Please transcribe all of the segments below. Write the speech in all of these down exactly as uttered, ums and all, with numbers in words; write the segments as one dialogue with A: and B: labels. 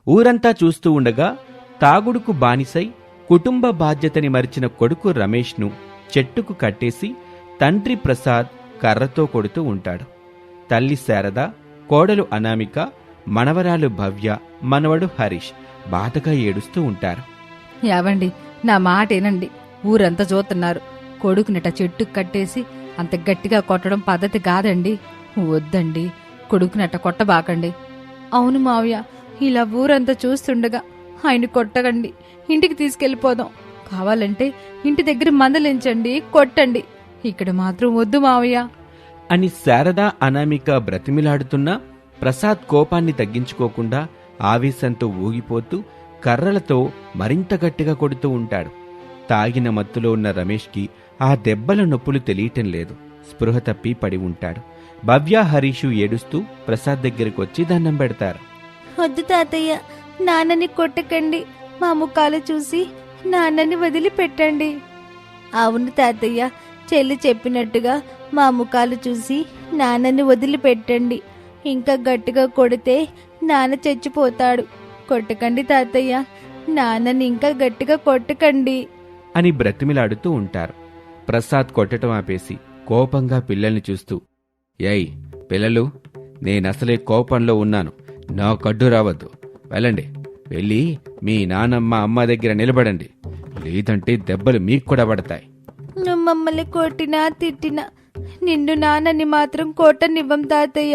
A: ఊరంతా చూస్తూ ఉండగా తాగుడుకు బానిసై కుటుంబ బాధ్యతని మరిచిన కొడుకు రమేష్ను చెట్టుకు కట్టేసి తండ్రి ప్రసాద్ కర్రతో కొడుతూ ఉంటాడు. తల్లి శారద, కోడలు అనామిక, మనవరాలు భవ్య, మనవడు హరీష్ బాధగా ఏడుస్తూ ఉంటారు.
B: యావండి, నా మాటేనండి. ఊరంతా చూస్తున్నారు. కొడుకునిట చెట్టుకు కట్టేసి అంత గట్టిగా కొట్టడం పద్ధతి కాదండి. వద్దండి, కొడుకునట కొట్టబాకండి. అవును మావయ్య, ఇలా ఊరంతా చూస్తుండగా ఆయన కొట్టకండి. ఇంటికి తీసుకెళ్ళిపోదాం. కావాలంటే ఇంటి దగ్గర మందలించండి, కొట్టండి. ఇక్కడ మాత్రం వద్దు మావయ్య
A: అని శారద, అనామిక బ్రతిమిలాడుతున్నా ప్రసాద్ కోపాన్ని తగ్గించుకోకుండా ఆవేశంతో ఊగిపోతూ కర్రలతో మరింత గట్టిగా కొడుతూ ఉంటాడు. తాగిన మత్తులో ఉన్న రమేష్కి ఆ దెబ్బల నొప్పులు తెలియటం లేదు. స్పృహ తప్పి పడి ఉంటాడు. భవ్య, హరీషు ఏడుస్తూ ప్రసాద్ దగ్గరికి వచ్చి దండం పెడతారు.
C: వద్దు తాతయ్య, నాన్నని కొట్టకండి. మా ముఖాలు చూసి నాన్నని వదిలిపెట్టండి. అవును తాతయ్య, చెల్లి చెప్పినట్టుగా మా ముఖాలు చూసి నాన్నని వదిలిపెట్టండి. ఇంకా గట్టిగా కొడితే నాన్న చచ్చిపోతాడు. కొట్టకండి తాతయ్య, నాన్నని ఇంకా గట్టిగా కొట్టకండి
A: అని బ్రతిమిలాడుతూ ఉంటారు. ప్రసాద్ కొట్టడం ఆపేసి కోపంగా పిల్లల్ని చూస్తూ, ఏయ్ పిల్లలు, నేనసలే కోపంలో ఉన్నాను. నా కడ్డు రావద్దు. వెళ్ళండి, వెళ్ళి మీ నానమ్మ అమ్మ దగ్గర నిలబడండి. లేదంటే దెబ్బలు మీకు కూడా పడతాయి.
C: నువ్వు మమ్మల్ని కొట్టినా తిట్టినా నిన్ను నాన్నని మాత్రం కొట్టనివ్వం తాతయ్య.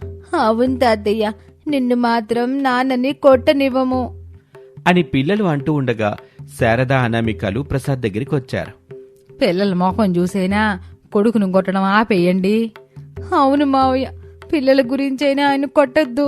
C: అవును తాతయ్య, నిన్ను మాత్రం నాన్నని కొట్టనివ్వము
A: అని పిల్లలు అంటూ ఉండగా శారద, అనామికలు ప్రసాద్ దగ్గరికి వచ్చారు.
B: పిల్లల మొహం చూసైనా కొడుకును కొట్టడం ఆపేయండి.
C: అవును మావయ్య, పిల్లల గురించైనా ఆయన కొట్టద్దు.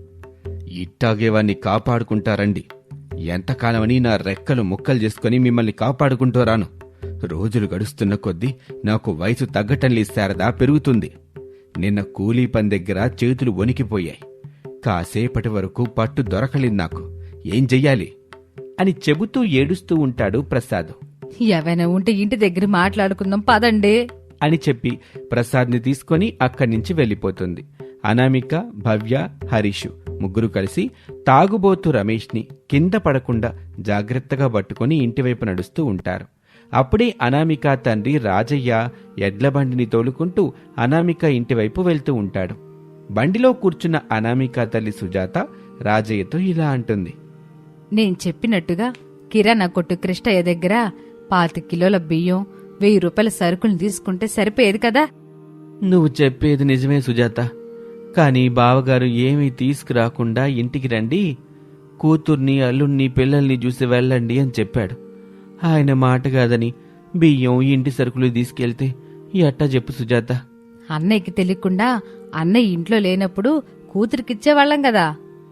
A: ఇట్టాగేవాన్ని కాపాడుకుంటారండి. ఎంతకాలమని నా రెక్కలు ముక్కలు చేసుకుని మిమ్మల్ని కాపాడుకుంటూరాను. రోజులు గడుస్తున్న కొద్దీ నాకు వయసు తగ్గటం లేదు శారదా, పెరుగుతుంది. నిన్న కూలీ పని దగ్గర చేతులు వణికిపోయాయి. కాసేపటి వరకు పట్టు దొరకలేదు నాకు. ఏం చెయ్యాలి అని చెబుతూ ఏడుస్తూ ఉంటాడు ప్రసాద్.
B: ఏవైనా ఉంటే ఇంటి దగ్గర మాట్లాడుకుందాం పదండి
A: అని చెప్పి ప్రసాద్ని తీసుకుని అక్కడి నుంచి వెళ్ళిపోతుంది. అనామిక, భవ్య, హరీషు ముగ్గురు కలిసి తాగుబోతు రమేష్ని కింద పడకుండా జాగ్రత్తగా పట్టుకుని ఇంటివైపు నడుస్తూ ఉంటారు. అప్పుడే అనామిక తండ్రి రాజయ్య ఎడ్లబండిని తోలుకుంటూ అనామిక ఇంటివైపు వెళ్తూ ఉంటాడు. బండిలో కూర్చున్న అనామిక తల్లి సుజాత రాజయ్యతో ఇలా అంటుంది.
B: నేను చెప్పినట్టుగా కిరాణా కొట్టు కృష్ణయ్య దగ్గర పాతి కిలోల బియ్యం, వెయ్యి రూపాయల సరుకులు తీసుకుంటే సరిపోయేది కదా.
A: నువ్వు చెప్పేది నిజమే సుజాత, కానీ బావగారు ఏమీ తీసుకురాకుండా ఇంటికి రండి, కూతుర్ని, అల్లుణ్ణి, పిల్లల్ని చూసి వెళ్ళండి అని చెప్పాడు. ఆయన మాట కాదని బియ్యం, ఇంటి సరుకులు తీసుకెళ్తే ఎట్టా చెప్పు సుజాత.
B: అన్నయ్యకి తెలియకుండా అన్నయ్య ఇంట్లో లేనప్పుడు కూతురికిచ్చేవాళ్ళం కదా.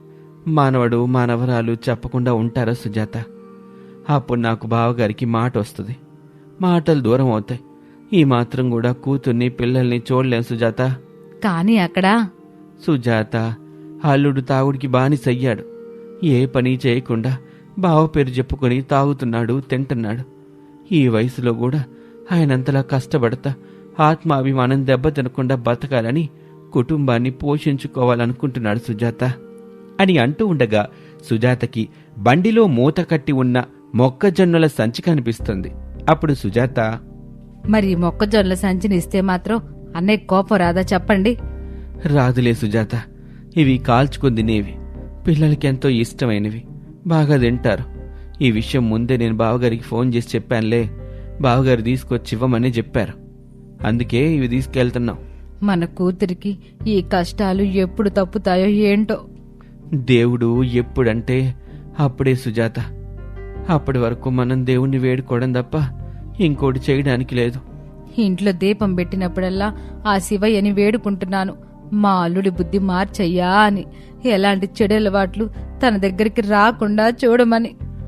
A: మానవడు, మానవరాలు చెప్పకుండా ఉంటారా సుజాత? అప్పుడు నాకు బావగారికి మాట వస్తుంది, మాటలు దూరం అవుతాయి. ఈ మాత్రం కూడా కూతుర్ని, పిల్లల్ని చూడలేం సుజాత.
B: కానీ అక్కడ
A: సుజాత, అల్లుడు తాగుడికి బానిసయ్యాడు. ఏ పని చేయకుండా బావ పేరు చెప్పుకొని తాగుతున్నాడు, తింటున్నాడు. ఈ వయసులో కూడా ఆయనంతలా కష్టపడతా ఆత్మాభిమానం దెబ్బ తినకుండా బతకాలని కుటుంబాన్ని పోషించుకోవాలనుకుంటున్నాడు సుజాత అని అంటూ ఉండగా సుజాతకి బండిలో మూత కట్టి ఉన్న మొక్కజొన్నల సంచి కనిపిస్తుంది. అప్పుడు సుజాత,
B: మరి మొక్కజొన్నల సంచిని ఇస్తే మాత్రం అన్నయ్య కోపం రాదా చెప్పండి?
A: రాదులే సుజాత, ఇవి కాల్చుకుని తినేవి, పిల్లలకెంతో ఇష్టమైనవి, బాగా తింటారు. ఈ విషయం ముందే నేను బావగారికి ఫోన్ చేసి చెప్పానులే. బావగారు తీసుకొచ్చి ఇవ్వమని చెప్పారు. అందుకే ఇవి తీసుకెళ్తున్నాం.
B: మన కూతురికి ఈ కష్టాలు ఎప్పుడు తప్పుతాయో ఏంటో.
A: దేవుడు ఎప్పుడంటే అప్పుడే సుజాత. అప్పటి వరకు మనం దేవుణ్ణి వేడుకోవడం తప్ప ఇంకోటి చేయడానికి లేదు.
B: ఇంట్లో దీపం పెట్టినప్పుడల్లా ఆ శివయ్యని వేడుకుంటున్నాను, మా అల్లుడి బుద్ధి మార్చయ్యా అని, ఎలాంటి చెడు అలవాట్లు తన దగ్గరికి రాకుండా చూడమని.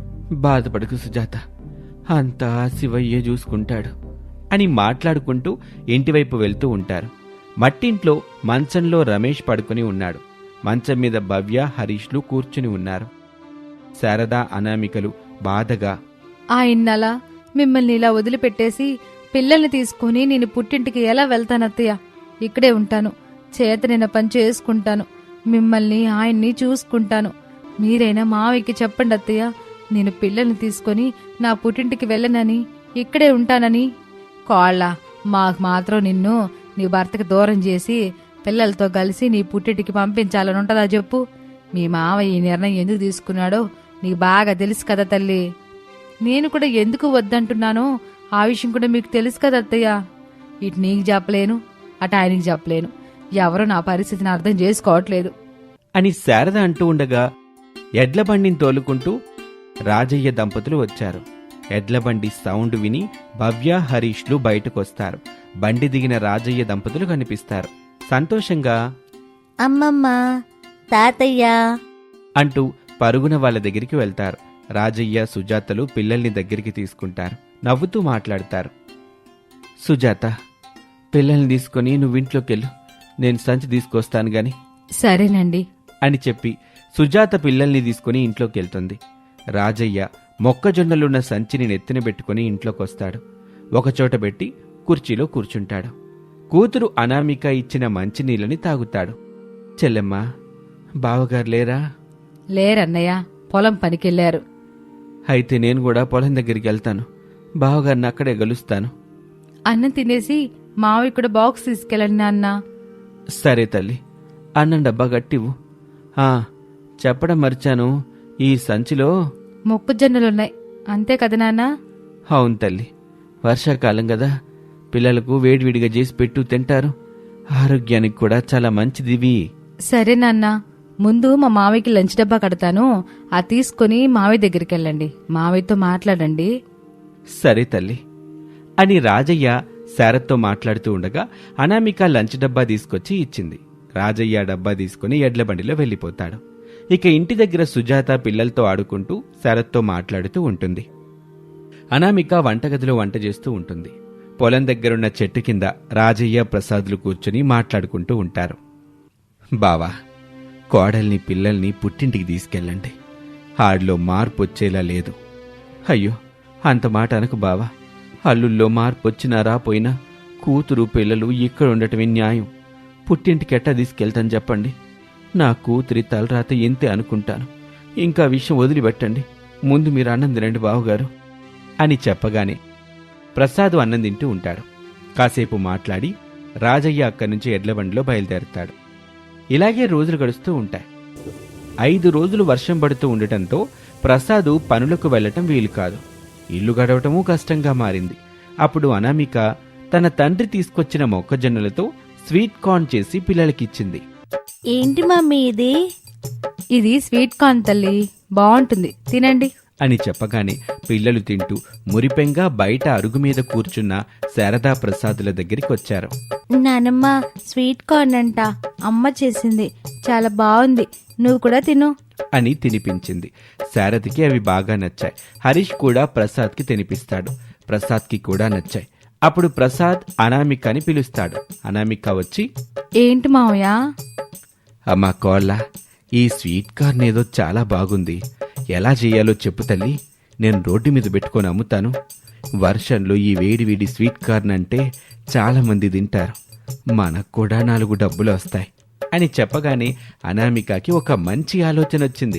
A: బాధపడకు సుజాత, అంతా శివయ్యే చూసుకుంటాడు అని మాట్లాడుకుంటూ ఇంటివైపు వెళ్తూ ఉంటారు. మట్టింట్లో మంచంలో రమేష్ పడుకుని ఉన్నాడు. మంచం మీద భవ్య, హరీష్లు కూర్చుని ఉన్నారు. శారద, అనామికలు బాధగా,
B: ఆయన్నలా మిమ్మల్ని ఇలా వదిలిపెట్టేసి పిల్లల్ని తీసుకుని నేను పుట్టింటికి ఎలా వెళ్తానత్తయ్య? ఇక్కడే ఉంటాను, చేతనైన పని చేసుకుంటాను, మిమ్మల్ని ఆయన్ని చూసుకుంటాను. మీరైనా మావయ్యకి చెప్పండి అత్తయ్య, నేను పిల్లల్ని తీసుకొని నా పుట్టింటికి వెళ్ళనని, ఇక్కడే ఉంటానని. కోళ్ళ, మాకు మాత్రం నిన్ను నీ భర్తకి దూరం చేసి పిల్లలతో కలిసి నీ పుట్టింటికి పంపించాలని ఉంటుందా చెప్పు? మీ మావయ్య ఈ నిర్ణయం ఎందుకు తీసుకున్నాడో నీకు బాగా తెలుసు కదా తల్లి. నేను కూడా ఎందుకు వద్దంటున్నానో ఆ విషయం కూడా మీకు తెలుసు కదా అత్తయ్య. ఇటు నీకు చెప్పలేను, అటు ఆయనకి చెప్పలేను. ఎవరో నా పరిస్థితిని అర్థం చేసుకోవట్లేదు
A: అని శారద అంటూ ఉండగా ఎడ్ల బండిని తోలుకుంటూ రాజయ్య దంపతులు వచ్చారు. ఎడ్ల బండి సౌండ్ విని భవ్య, హరీష్లు బయటకొస్తారు. బండి దిగిన రాజయ్య దంపతులు కనిపిస్తారు. సంతోషంగా
C: అమ్మమ్మ, తాతయ్య
A: అంటూ పరుగున వాళ్ళ దగ్గరికి వెళ్తారు. రాజయ్య, సుజాతలు పిల్లల్ని దగ్గరికి తీసుకుంటారు. నవ్వుతూ మాట్లాడతారు. సుజాత, పిల్లల్ని తీసుకుని నువ్వింట్లోకెళ్ళు, నేను సంచి తీసుకొస్తాను గాని
B: సరేనండి
A: అని చెప్పి సుజాత పిల్లల్ని తీసుకుని ఇంట్లోకెళ్తుంది. రాజయ్య మొక్కజొన్నలున్న సంచిని నెత్తిన పెట్టుకుని ఇంట్లోకొస్తాడు. ఒకచోట పెట్టి కుర్చీలో కూర్చుంటాడు. కూతురు అనామిక ఇచ్చిన మంచినీళ్ళని తాగుతాడు. చెల్లెమ్మా, బావగారు లేరా?
B: లేరన్నయ్య, పొలం పనికెళ్లారు.
A: అయితే నేను కూడా పొలం దగ్గరికి వెళ్తాను. బావగారిని అక్కడే గలుస్తాను.
B: అన్నం తినేసి మావయ్య కూడా బాక్స్ తీసుకెళ్ళండి నాన్న.
A: సరే తల్లి, అన్నం డబ్బా గట్టివు. ఆ, చెప్పడం మర్చాను, ఈ సంచిలో
B: మొక్కజొన్నలున్నాయి, అంతే కదా నాన్న?
A: అవును తల్లి, వర్షాకాలం కదా, పిల్లలకు వేడివిడిగా చేసి పెట్టు తింటారు. ఆరోగ్యానికి కూడా చాలా మంచిదివి.
B: సరే నాన్న, ముందు మా మావయ్యకి లంచ్ డబ్బా కడతాను, ఆ తీసుకుని మావయ్య దగ్గరికి వెళ్ళండి, మావయ్యతో మాట్లాడండి.
A: సరే తల్లి అని రాజయ్య శారత్తో మాట్లాడుతూ ఉండగా అనామిక లంచ్ డబ్బా తీసుకొచ్చి ఇచ్చింది. రాజయ్య డబ్బా తీసుకుని ఎడ్ల బండిలో వెళ్ళిపోతాడు. ఇక ఇంటి దగ్గర సుజాత పిల్లలతో ఆడుకుంటూ శారత్తో మాట్లాడుతూ ఉంటుంది. అనామిక వంటగదిలో వంట చేస్తూ ఉంటుంది. పొలం దగ్గరున్న చెట్టు కింద రాజయ్య, ప్రసాదులు కూర్చుని మాట్లాడుకుంటూ ఉంటారు. బావా, కోడల్ని పిల్లల్ని పుట్టింటికి తీసుకెళ్ళండి, ఆడిలో మార్పు వచ్చేలా లేదు. అయ్యో, అంత మాట అనకు బావా, అల్లుల్లో మార్పు వచ్చినా రాపోయినా కూతురు పిల్లలు ఇక్కడ ఉండటమే న్యాయం. పుట్టింటికి ఎట్టా తీసుకెళ్తాను చెప్పండి? నా కూతురి తలరాత ఎంతే అనుకుంటాను. ఇంకా విషయం వదిలిపెట్టండి, ముందు మీరు అన్నం తినండి బావగారు అని చెప్పగానే ప్రసాదు అన్నం తింటూ ఉంటాడు. కాసేపు మాట్లాడి రాజయ్య అక్కడి నుంచి ఎడ్లబండిలో బయలుదేరుతాడు. ఇలాగే రోజులు గడుస్తూ ఉంటాయి. ఐదు రోజులు వర్షం పడుతూ ఉండటంతో ప్రసాదు పనులకు వెళ్లటం వీలు కాదు. ఇల్లు గడవటమూ కష్టంగా మారింది. అప్పుడు అనామిక తన తండ్రి తీసుకొచ్చిన మొక్కజొన్నలతో స్వీట్ కార్న్ చేసి పిల్లలకిచ్చింది.
C: ఏంటి మమ్మీ ఇది?
B: ఇది స్వీట్ కార్న్ తల్లి, బాగుంటుంది, తినండి
A: అని చెప్పగానే పిల్లలు తింటూ మురిపెంగా బయట అరుగు మీద కూర్చున్న శారదా ప్రసాదుల దగ్గరికి వచ్చారు.
C: నానమ్మ, స్వీట్ కార్న్ అంట, అమ్మ చేసింది, చాలా బాగుంది, నువ్వు కూడా తిను
A: అని తినిపించింది. శారదకి అవి బాగా నచ్చాయి. హరీష్ కూడా ప్రసాద్కి తినిపిస్తాడు. ప్రసాద్కి కూడా నచ్చాయి. అప్పుడు ప్రసాద్ అనామికని పిలుస్తాడు. అనామిక వచ్చి,
B: ఏంటి మావయ్య?
A: అమ్మా కోళ్ళ, ఈ స్వీట్ కార్న్ ఏదో చాలా బాగుంది, ఎలా చెయ్యాలో చెప్పు తల్లి, నేను రోడ్డు మీద పెట్టుకొని అమ్ముతాను. వర్షంలో ఈ వేడి వేడి స్వీట్ కార్న్ అంటే చాలా మంది తింటారు, మనకు కూడా నాలుగు డబ్బులు వస్తాయి అని చెప్పగానే అనామికకి ఒక మంచి ఆలోచన వచ్చింది.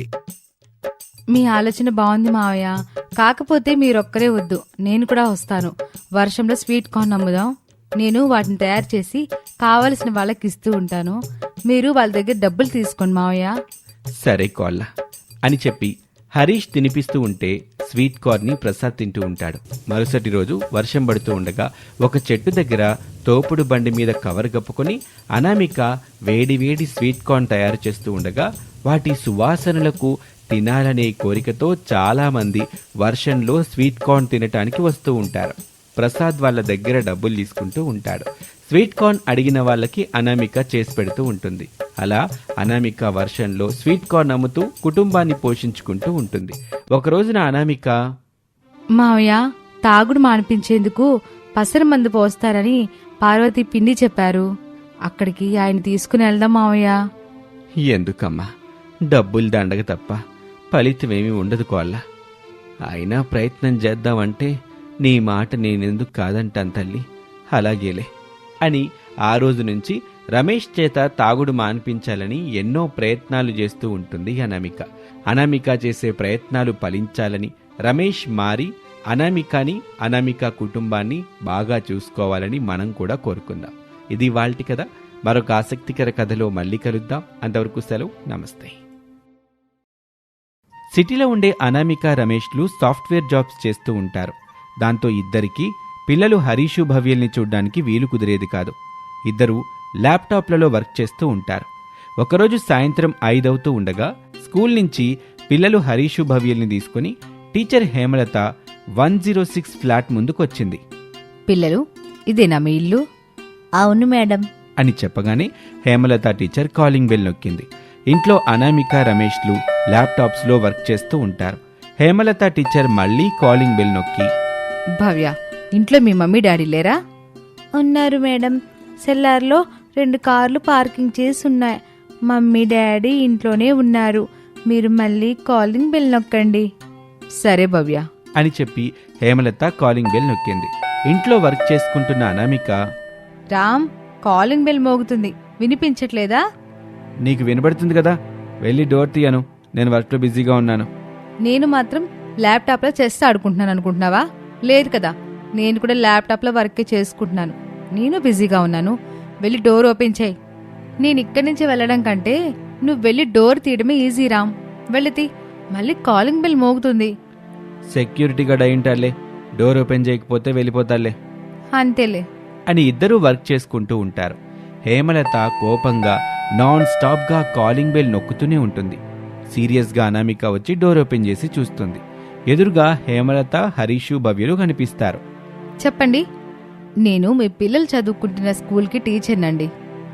B: మీ ఆలోచన బాగుంది మావయ్య, కాకపోతే మీరొక్కరే వద్దు, నేను కూడా వస్తాను. వర్షంలో స్వీట్ కార్న్ అమ్ముదాం. నేను వాటిని తయారు చేసి కావలసిన వాళ్ళకి ఇస్తూ ఉంటాను, మీరు వాళ్ళ దగ్గర డబ్బులు తీసుకోండి మావయ్య.
A: సరే కోళ్ళ అని చెప్పి హరీష్ తినిపిస్తూ ఉంటే స్వీట్ కార్న్ని ప్రసాద్ తింటూ ఉంటాడు. మరుసటి రోజు వర్షం పడుతూ ఉండగా ఒక చెట్టు దగ్గర తోపుడు బండి మీద కవర్ కప్పుకొని అనామిక వేడి వేడి స్వీట్ కార్న్ తయారు చేస్తూ ఉండగా వాటి సువాసనలకు తినాలనే కోరికతో చాలా మంది వర్షంలో స్వీట్ కార్న్ తినటానికి వస్తూ ఉంటారు. ప్రసాద్ వాళ్ళ దగ్గర డబ్బులు తీసుకుంటూ ఉంటాడు. స్వీట్ కార్న్ అడిగిన వాళ్ళకి అనామిక చేసి పెడుతూ ఉంటుంది. అలా అనామిక వర్షంలో స్వీట్ కార్న్ అమ్ముతూ కుటుంబాన్ని పోషించుకుంటూ ఉంటుంది. ఒక రోజున అనామిక,
B: మావయ్య, తాగుడు మానిపించేందుకు పసర మందు పోస్తారని పార్వతి పిన్ని చెప్పారు, అక్కడికి ఆయన తీసుకుని వెళ్దాం మావయ్య.
A: ఎందుకమ్మా, డబ్బులు దండగ తప్ప ఫలితమేమీ ఉండదు కోళ్ళ. అయినా ప్రయత్నం చేద్దామంటే నీ మాట నేనెందుకు కాదంటాను తల్లి. అలాగేలే అని ఆ రోజు నుంచి రమేష్ చేత తాగుడు మాన్పించాలని ఎన్నో ప్రయత్నాలు చేస్తూ ఉంటుంది అనామిక. అనామిక చేసే ప్రయత్నాలు ఫలించాలని రమేష్ మారి అనామికని అనామిక కుటుంబాన్ని బాగా చూసుకోవాలని మనం కూడా కోరుకుందాం. ఇది వాల్టి కథ. మరొక ఆసక్తికర కథలో మళ్ళీ కలుద్దాం. అంతవరకు సెలవు, నమస్తే. సిటీలో ఉండే అనామిక రమేష్లు సాఫ్ట్వేర్ జాబ్స్ చేస్తూ ఉంటారు. దాంతో ఇద్దరికీ పిల్లలు హరీషు భవ్యల్ని చూడ్డానికి వీలు కుదిరేది కాదు. ఇద్దరూ ల్యాప్టాప్లలో వర్క్ చేస్తూ ఉంటారు. ఒకరోజు సాయంత్రం ఐదవుతూ ఉండగా స్కూల్ నుంచి పిల్లలు హరీషు భవ్యల్ని తీసుకుని teacher Hemalatha one zero six flat ముందుకొచ్చింది.
B: పిల్లలు, ఇదేనా మీ ఇల్లు?
C: అవును మేడం
A: అని చెప్పగానే హేమలత టీచర్ కాలింగ్ బెల్ నొక్కింది. ఇంట్లో అనామిక రమేష్లు ల్యాప్టాప్స్లో వర్క్ చేస్తూ ఉంటారు. హేమలత టీచర్ మళ్లీ కాలింగ్ బెల్ నొక్కి,
B: భవ్య, ఇంట్లో మీ మమ్మీ డాడీ లేరా?
C: ఉన్నారు మేడం. సెల్లార్లో రెండు కార్లు పార్కింగ్ చేసి ఉన్నాయి. మమ్మీ డాడీ ఇంట్లోనే ఉన్నారు. మీరు మళ్ళీ కాలింగ్ బెల్ నొక్కండి.
B: సరే భవ్య
A: అని చెప్పి హేమలత కాలింగ్ బెల్ నొక్కింది. ఇంట్లో వర్క్ చేసుకుంటున్న అనామిక,
B: రామ్, కాలింగ్ బెల్ మోగుతుంది, వినిపించట్లేదా?
A: నీకు వినబడుతుంది కదా, వెళ్ళి డోర్ తీయను, నేను వర్క్లో బిజీగా ఉన్నాను.
B: నేను మాత్రం ల్యాప్టాప్లో చెస్ ఆడుకుంటున్నాను అనుకుంటున్నావా? లేదు కదా, నేను కూడా ల్యాప్టాప్లో వర్కే చేసుకుంటున్నాను. నేను బిజీగా ఉన్నాను. వెళ్ళి డోర్ ఓపెన్ చేయి. నేను ఇక్కడి నుంచి వెళ్ళడం కంటే నువ్వు వెళ్ళి డోర్ తీయడమే ఈజీ రామ్. వెళ్ళి మళ్ళీ కాలింగ్ బెల్ మోగుతుంది.
A: సెక్యూరిటీ గార్డ్ అయింటాలే, డోర్ ఓపెన్ చేయకపోతే వెళ్ళిపోతాలే
B: అంతేలే
A: అని ఇద్దరూ వర్క్ చేసుకుంటూ ఉంటారు. హేమలత కోపంగా నాన్ స్టాప్గా కాలింగ్ బెల్ నొక్కుతూనే ఉంటుంది. సీరియస్గా అనామిక వచ్చి డోర్ ఓపెన్ చేసి చూస్తుంది. ఎదురుగా హేమలత, హరీషు, భవ్యలు కనిపిస్తారు.
B: చెప్పండి. నేను మీ పిల్లలు చదువుకుంటున్న స్కూల్కి టీచర్నండి.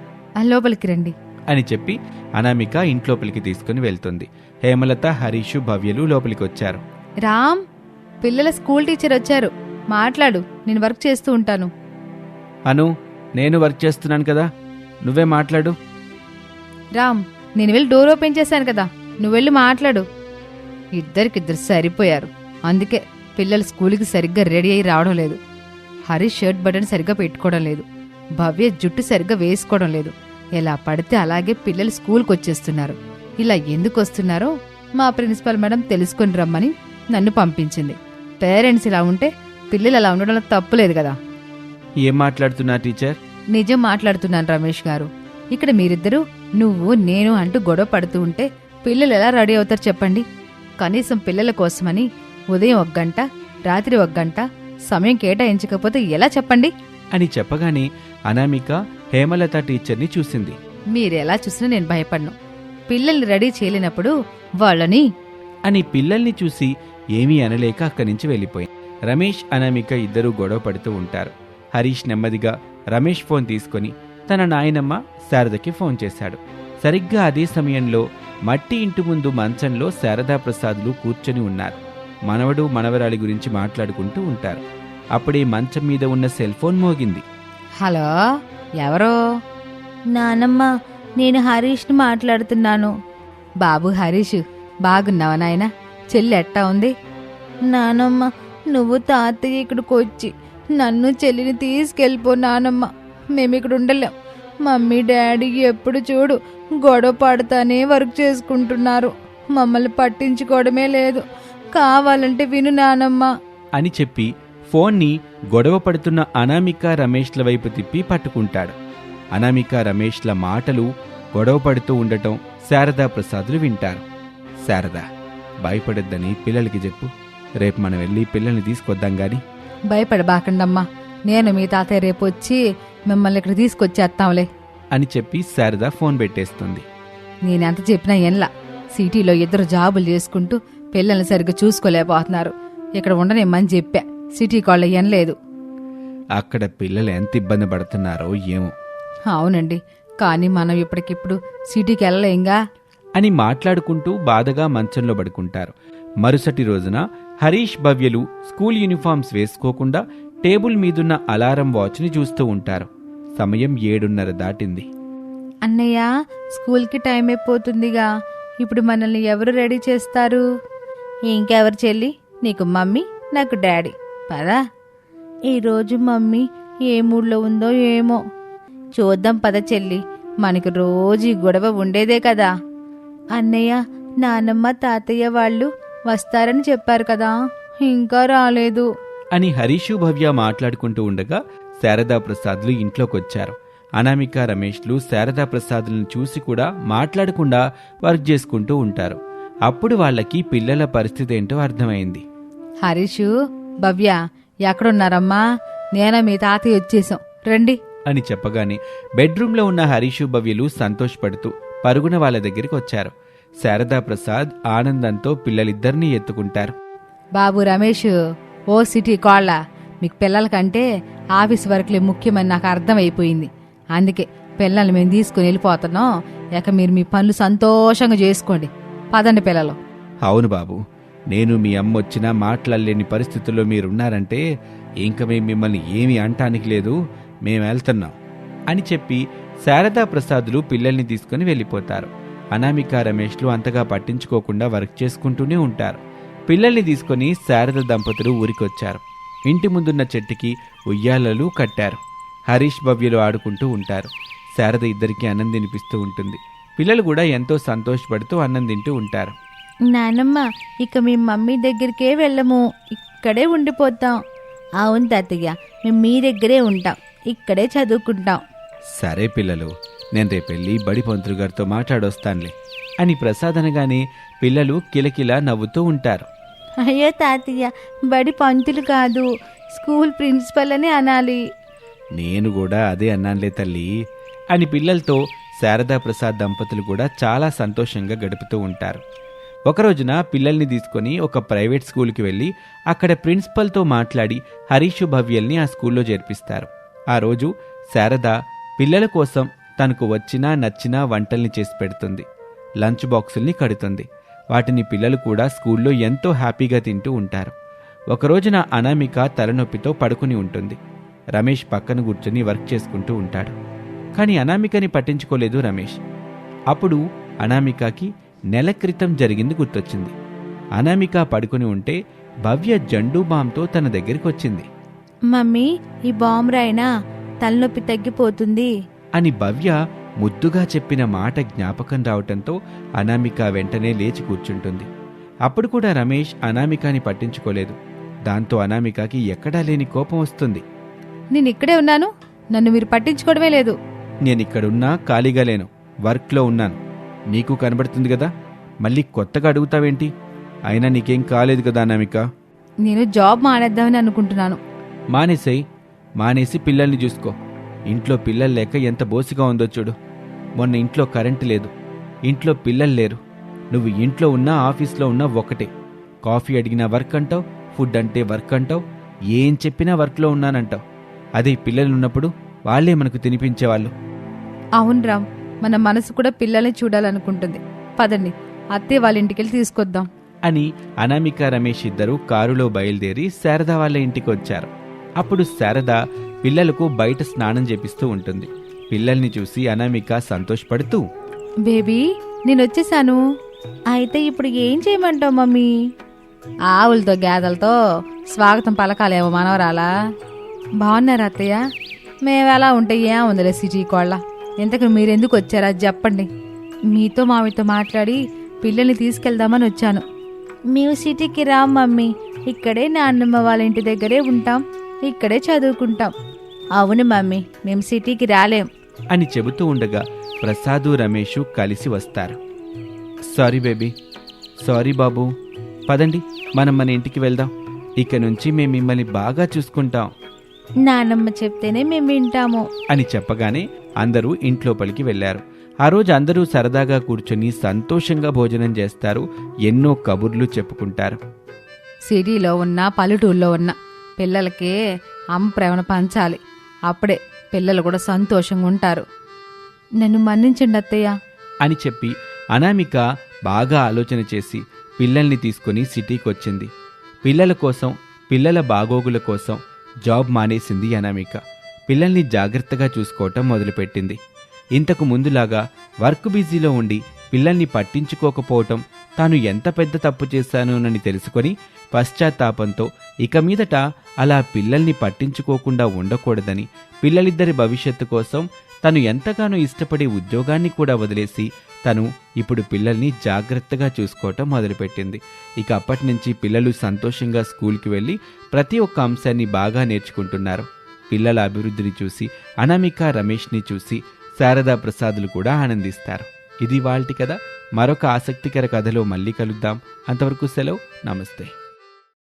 B: ఆ లోపలికి రండి
A: అని చెప్పి అనామిక ఇంట్లోపలికి తీసుకుని వెళ్తుంది. హేమలత, హరీషు, భవ్యలు లోపలికి వచ్చారు.
B: రామ్, పిల్లల స్కూల్ టీచర్ వచ్చారు, మాట్లాడు, నేను వర్క్ చేస్తూ ఉంటాను.
A: అను, నేను వర్క్ చేస్తున్నాను కదా, నువ్వే మాట్లాడు.
B: రామ్, నేను వెళ్ళి డోర్ ఓపెన్ చేశాను కదా, నువ్వు వెళ్ళి మాట్లాడు. ఇద్దరికిద్దరు సరిపోయారు. అందుకే పిల్లలు స్కూల్కి సరిగ్గా రెడీ అయ్యి రావడం లేదు. హరీష్ షర్ట్ బటన్ సరిగ్గా పెట్టుకోవడం లేదు. భవ్య జుట్టు సరిగ్గా వేసుకోవడం లేదు. ఎలా పడితే అలాగే పిల్లలు స్కూల్కి వచ్చేస్తున్నారు. ఇలా ఎందుకు వస్తున్నారో మా ప్రిన్సిపల్ మేడం తెలుసుకొని రమ్మని నన్ను పంపించింది. పేరెంట్స్ ఇలా ఉంటే పిల్లలు అలా ఉండడంలో తప్పులేదు కదా.
A: ఏం మాట్లాడుతున్నా టీచర్?
B: నిజం మాట్లాడుతున్నాను రమేష్ గారు. ఇక్కడ మీరిద్దరూ నువ్వు నేను అంటూ గొడవ పడుతూ ఉంటే పిల్లలు ఎలా రెడీ అవుతారు చెప్పండి. కనీసం పిల్లల కోసమని ఉదయం ఒక గంట, రాత్రి ఒక గంట సమయం కేటాయించకపోతే ఎలా చెప్పండి
A: అని చెప్పగానే అనామిక హేమలత టీచర్ని చూసింది.
B: మీరెలా చూసినా నేను భయపడను. పిల్లల్ని రెడీ చేయలేనప్పుడు వాళ్ళని
A: అని పిల్లల్ని చూసి ఏమీ అనలేక అక్కడి నుంచి వెళ్ళిపోయింది. రమేష్, అనామిక ఇద్దరూ గొడవ పడుతూ ఉంటారు. హరీష్ నెమ్మదిగా రమేష్ ఫోన్ తీసుకుని తన నాయనమ్మ శారదకి ఫోన్ చేశాడు. సరిగ్గా అదే సమయంలో మట్టి ఇంటి ముందు మంచంలో శారదా ప్రసాదులు కూర్చొని ఉన్నారు. మనవడు మనవరాలి గురించి మాట్లాడుకుంటూ ఉంటారు. అప్పుడే మంచం మీద ఉన్న సెల్ ఫోన్ మోగింది.
B: హలో, ఎవరో?
C: నానమ్మ, నేను హరీష్ని మాట్లాడుతున్నాను.
B: బాబు హరీష్, బాగున్నావా నాయనా? చెల్లి ఎట్టా ఉంది?
C: నానమ్మ, నువ్వు తాతయ్య ఇక్కడికి వచ్చి నన్ను చెల్లిని తీసుకెళ్ళిపో నానమ్మ. మేమిక్కడ ఉండలేం. మమ్మీ డాడీ ఎప్పుడు చూడు గొడవ పడతానే వర్క్ చేసుకుంటున్నారు. మమ్మల్ని పట్టించుకోవడమే లేదు. కావాలంటే విను నానమ్మ
A: అని చెప్పి ఫోన్ని గొడవ పడుతున్న అనామిక రమేష్ల వైపు తిప్పి పట్టుకుంటాడు. అనామిక రమేష్ల మాటలు గొడవ పడుతూ ఉండటం శారదా ప్రసాదులు వింటారు. శారదా, భయపడొద్దని పిల్లలకి చెప్పు. రేపు మనం వెళ్ళి పిల్లల్ని తీసుకొద్దాం గాని.
B: భయపడబాకండమ్మా, నేను మీ తాతయ్య రేపు వచ్చి మిమ్మల్ని ఇక్కడ తీసుకొచ్చేస్తాంలే
A: అని చెప్పి శారద ఫోన్ పెట్టేస్తుంది.
B: నేనెంత చెప్పినా ఎన్లా, సిటీలో ఇద్దరు జాబులు చేసుకుంటూ పిల్లల్ని సరిగ్గా చూసుకోలేకపోతున్నారు. ఇక్కడ ఉండనేమని చెప్పా, సిటీ కాళ్ళ ఎనలేదు.
A: అక్కడ పిల్లలు ఎంత ఇబ్బంది పడుతున్నారో ఏమో.
B: అవునండి, కానీ మనం ఇప్పటికిప్పుడు సిటీకి వెళ్ళలేంగా
A: అని మాట్లాడుకుంటూ బాధగా మంచంలో పడుకుంటారు. మరుసటి రోజున హరీష్, భవ్యలు స్కూల్ యూనిఫామ్స్ వేసుకోకుండా టేబుల్ మీదున్న అలారం వాచ్ని చూస్తూ ఉంటారు. సమయం ఏడున్నర దాటింది.
C: అన్నయ్య, స్కూల్కి టైం అయిపోతుందిగా. ఇప్పుడు మనల్ని ఎవరు రెడీ చేస్తారు? ఇంకెవరు చెల్లి? నీకు మమ్మీ, నాకు డాడీ. పదా. ఈరోజు మమ్మీ ఏ మూడ్లో ఉందో ఏమో. చూద్దాం పద చెల్లి. మనకు రోజు ఈ గొడవ ఉండేదే కదా. అన్నయ్య, నానమ్మ తాతయ్య వాళ్ళు వస్తారని చెప్పారు కదా, ఇంకా రాలేదు.
A: అని హరీషు భవ్య మాట్లాడుకుంటూ ఉండగా శారదా ప్రసాద్లు ఇంట్లోకొచ్చారు. అనామిక రమేష్లు శారదా ప్రసాద్లను చూసి కూడా మాట్లాడకుండా వర్క్ చేసుకుంటూ ఉంటారు. అప్పుడు వాళ్ళకి పిల్లల పరిస్థితి ఏంటో అర్థమైంది.
B: హరీషు, భవ్య ఎక్కడున్నారమ్మా? నేనే మీ తాతయ్య వచ్చేసాం, రండి
A: అని చెప్పగానే బెడ్రూమ్లో ఉన్న హరీషు భవ్యలు సంతోషపడుతూ పరుగున వాళ్ళ దగ్గరికి వచ్చారు. శారదా ప్రసాద్ ఆనందంతో పిల్లలిద్దరినీ ఎత్తుకుంటారు.
B: బాబు రమేష్, ఓ సిటీ కోళ్ళ, మీకు పిల్లల కంటే ఆఫీస్ వర్క్లే ముఖ్యమని నాకు అర్థమైపోయింది. అందుకే పిల్లల్ని మేము తీసుకుని వెళ్ళిపోతున్నాం. ఇక మీరు మీ పనులు సంతోషంగా చేసుకోండి. పదండి పిల్లలు.
A: అవును బాబు, నేను మీ అమ్మ వచ్చినా మాట్లాడలేని పరిస్థితుల్లో మీరున్నారంటే ఇంక మేము మిమ్మల్ని ఏమీ అంటానికి లేదు, మేము వెళ్తున్నాం అని చెప్పి శారదా ప్రసాదులు పిల్లల్ని తీసుకుని వెళ్ళిపోతారు. అనామిక రమేష్లు అంతగా పట్టించుకోకుండా వర్క్ చేసుకుంటూనే ఉంటారు. పిల్లల్ని తీసుకుని శారద దంపతులు ఊరికొచ్చారు. ఇంటి ముందున్న చెట్టుకి ఉయ్యాలలు కట్టారు. హరీష్ భవ్యలు ఆడుకుంటూ ఉంటారు. శారద ఇద్దరికీ అన్నం తినిపిస్తూ ఉంటుంది. పిల్లలు కూడా ఎంతో సంతోషపడుతూ అన్నం తింటూ ఉంటారు.
C: నానమ్మ, ఇక మీ మమ్మీ దగ్గరికే వెళ్ళము, ఇక్కడే ఉండిపోతాం. అవును తాతయ్య, మేము మీ దగ్గరే ఉంటాం, ఇక్కడే చదువుకుంటాం.
A: సరే పిల్లలు, నేను రేపెళ్ళి బడి పంతులు గారితో మాట్లాడొస్తానులే అని ప్రసాద్ అనగానే పిల్లలు కిలకిలా నవ్వుతూ ఉంటారు.
C: అయ్యో తాతయ్య, బడి పంతులు కాదు, స్కూల్ ప్రిన్సిపల్ అని అనాలి.
A: నేను కూడా అదే అన్నానులే తల్లి అని పిల్లలతో శారదా ప్రసాద్ దంపతులు కూడా చాలా సంతోషంగా గడుపుతూ ఉంటారు. ఒకరోజున పిల్లల్ని తీసుకొని ఒక ప్రైవేట్ స్కూల్కి వెళ్ళి అక్కడ ప్రిన్సిపల్తో మాట్లాడి హరీషు భవ్యల్ని ఆ స్కూల్లో చేర్పిస్తారు. ఆ రోజు శారద పిల్లల కోసం తనకు వచ్చినా నచ్చినా వంటల్ని చేసి పెడుతుంది. లంచ్ బాక్సుల్ని కడుతుంది. వాటిని పిల్లలు కూడా స్కూల్లో ఎంతో హ్యాపీగా తింటూ ఉంటారు. ఒకరోజున అనామిక తలనొప్పితో పడుకుని ఉంటుంది. రమేష్ పక్కన కూర్చొని వర్క్ చేసుకుంటూ ఉంటాడు. కానీ అనామికని పట్టించుకోలేదు రమేష్. అప్పుడు అనామికకి నెల క్రితం జరిగింది గుర్తొచ్చింది. అనామిక పడుకుని ఉంటే భవ్య జండూ బాంతో తన దగ్గరికి వచ్చింది.
C: మమ్మీ, ఈ బాంబు రాయినా తలనొప్పి తగ్గిపోతుంది
A: అని భవ్య ముద్దుగా చెప్పిన మాట జ్ఞాపకం రావటంతో అనామిక వెంటనే లేచి కూర్చుంటుంది. అప్పుడు కూడా రమేష్ అనామికాని పట్టించుకోలేదు. దాంతో అనామికకి ఎక్కడా లేని కోపం వస్తుంది.
B: నేను ఇక్కడే ఉన్నాను, నన్ను మీరు పట్టించుకోవడమే లేదు.
A: నేనిక్కడున్నా ఖాళీగా లేను, వర్క్లో ఉన్నాను. నీకు కనబడుతుంది కదా, మళ్ళీ కొత్తగా అడుగుతావేంటి? అయినా నీకేం కాలేదు కదా అనామిక.
B: నేను జాబ్ మానేద్దామని అనుకుంటున్నాను.
A: మానేసేయ్, మానేసి పిల్లల్ని చూసుకో. ఇంట్లో పిల్లలు లేక ఎంత బోసిగా ఉందో చూడు. మొన్న ఇంట్లో కరెంటు లేదు, ఇంట్లో పిల్లలు లేరు. నువ్వు ఇంట్లో ఉన్నా ఆఫీస్లో ఉన్నా ఒకటే. కాఫీ అడిగినా వర్క్ అంటావు, ఫుడ్ అంటే వర్క్ అంటావు, ఏం చెప్పినా వర్క్లో ఉన్నానంటావు. అదే పిల్లలు ఉన్నప్పుడు వాళ్లే మనకు తినిపించేవాళ్ళు.
B: అవును రామ్, మన మనసు కూడా పిల్లల్ని చూడాలనుకుంటుంది. పదండి, అత్తయ్య వాళ్ళ ఇంటికెళ్ళి తీసుకొద్దాం
A: అని అనామిక రమేష్ ఇద్దరూ కారులో బయలుదేరి శారద వాళ్ళ ఇంటికి వచ్చారు. అప్పుడు శారద పిల్లలకు బయట స్నానం చేపిస్తూ ఉంటుంది. పిల్లల్ని చూసి అనామిక సంతోషపడుతూ,
B: బేబీ నేనొచ్చేసాను.
C: అయితే ఇప్పుడు ఏం చేయమంటావు మమ్మీ?
B: ఆవులతో గేదెలతో స్వాగతం పలకాలేమో మనవరాలా. బాగున్నారా అత్తయ్య? మేమెలా ఉంటే ఏముందిలే సిటీ కోళ్ళ. ఇంతకు మీరెందుకు వచ్చారా చెప్పండి. మీతో మామితో మాట్లాడి పిల్లల్ని తీసుకెళ్దామని వచ్చాను.
C: మేము సిటీకి రాం మమ్మీ, ఇక్కడే నాన్నమ్మ వాళ్ళ ఇంటి దగ్గరే ఉంటాం, ఇక్కడే చదువుకుంటాం. అవును మమ్మీ, మేము సిటీకి రాలేం
A: అని చెబుతూ ఉండగా ప్రసాదు రమేషు కలిసి వస్తారు. సారీ బేబీ, సారీ బాబు, పదండి మనం మన ఇంటికి వెళ్దాం. ఇక నుంచి మేము మిమ్మల్ని బాగా చూసుకుంటాం.
C: నానమ్మ చెప్తేనే మేము వింటాము
A: అని చెప్పగానే అందరూ ఇంట్లోపలికి వెళ్లారు. ఆ రోజు అందరూ సరదాగా కూర్చొని సంతోషంగా భోజనం చేస్తారు. ఎన్నో కబుర్లు చెప్పుకుంటారు.
B: సిటీలో ఉన్న పల్లెటూరులో ఉన్న పిల్లలకి అమ్మ ప్రేమను పంచాలి. అప్పుడే పిల్లలు కూడా సంతోషంగా ఉంటారు. నన్ను మన్నించండి అత్తయ్య
A: అని చెప్పి అనామిక బాగా ఆలోచన చేసి పిల్లల్ని తీసుకుని సిటీకి వచ్చింది. పిల్లల కోసం, పిల్లల బాగోగుల కోసం జాబ్ మానేసింది అనామిక. పిల్లల్ని జాగ్రత్తగా చూసుకోవటం మొదలుపెట్టింది. ఇంతకు ముందులాగా వర్క్ బిజీలో ఉండి పిల్లల్ని పట్టించుకోకపోవటం తాను ఎంత పెద్ద తప్పు చేశానోనని తెలుసుకొని పశ్చాత్తాపంతో ఇక మీదట అలా పిల్లల్ని పట్టించుకోకుండా ఉండకూడదని, పిల్లలిద్దరి భవిష్యత్తు కోసం తను ఎంతగానో ఇష్టపడే ఉద్యోగాన్ని కూడా వదిలేసి తను ఇప్పుడు పిల్లల్ని జాగ్రత్తగా చూసుకోవటం మొదలుపెట్టింది. ఇక అప్పటి నుంచి పిల్లలు సంతోషంగా స్కూల్కి వెళ్ళి ప్రతి ఒక్క అంశాన్ని బాగా నేర్చుకుంటున్నారు. పిల్లల అభివృద్ధిని చూసి అనామిక, రమేష్ని చూసి శారదా ప్రసాదులు కూడా ఆనందిస్తారు. ఇది వాళ్ళటి కథ. మరొక ఆసక్తికర కథలో మళ్ళీ కలుద్దాం. అంతవరకు సెలవు. నమస్తే.